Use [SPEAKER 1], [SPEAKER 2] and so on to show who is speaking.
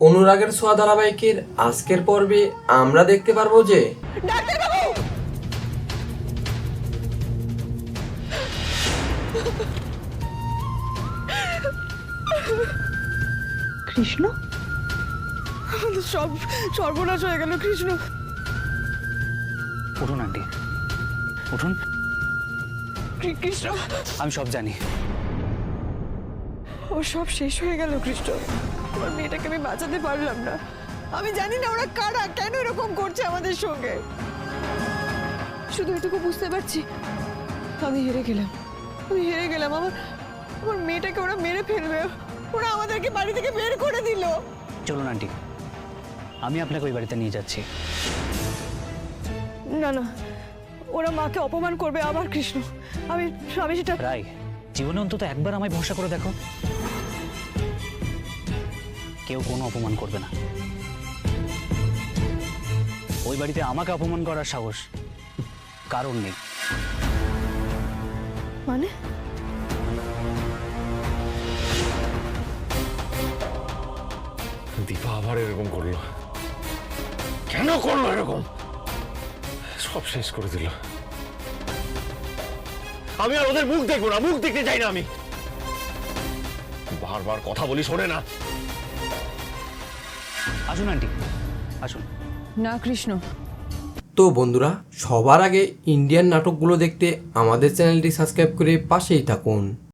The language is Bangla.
[SPEAKER 1] অনুরাগের ছোঁয়া ধারাবাহিকের আজকের পর্বে আমরা দেখতে পারবো যে
[SPEAKER 2] কৃষ্ণ,
[SPEAKER 3] আমাদের সব সর্বনাশ হয়ে গেল কৃষ্ণ।
[SPEAKER 4] উঠুন আন্টি, উঠুন।
[SPEAKER 3] কৃষ্ণ,
[SPEAKER 4] আমি সব জানি।
[SPEAKER 3] ও সব শেষ হয়ে গেল কৃষ্ণ। আমার মেয়েটাকে আমি বাঁচাতে পারলাম না। আমি জানি না ওরা কারা, কেন এরকম করছে আমাদের সঙ্গে। শুধু এটুকু বুঝতে পারছি, আমি হেরে গেলাম। আমার মেয়েটাকে ওরা মেরে ফেলবে। ওরা আমাদেরকে বাড়ি থেকে বের করে দিল।
[SPEAKER 4] চলুন আন্টি, আমি আপনাকে ওই বাড়িতে নিয়ে যাচ্ছি।
[SPEAKER 3] না না, ওরা মাকে অপমান করবে আবার কৃষ্ণ। আমি সেটা
[SPEAKER 4] রাই, জীবনে অন্তত একবার আমায় ভরসা করে দেখো। কেউ কোনো অপমান করবে না। ওই বাড়িতে আমাকে অপমান করার সাহস কারণ নেই।
[SPEAKER 3] মানে
[SPEAKER 5] দীপা আবার এরকম করলো, কেন করলো এরকম? সব শেষ করে দিল। আমি আর ওদের মুখ দেখবো না, মুখ দেখতে চাই না। আমি বারবার কথা বলি, শোনে না।
[SPEAKER 4] আসুন আন্টি, আসুন।
[SPEAKER 3] না কৃষ্ণ।
[SPEAKER 1] তো বন্ধুরা, সবার আগে ইন্ডিয়ান নাটকগুলো দেখতে আমাদের চ্যানেলটি সাবস্ক্রাইব করে পাশেই থাকুন।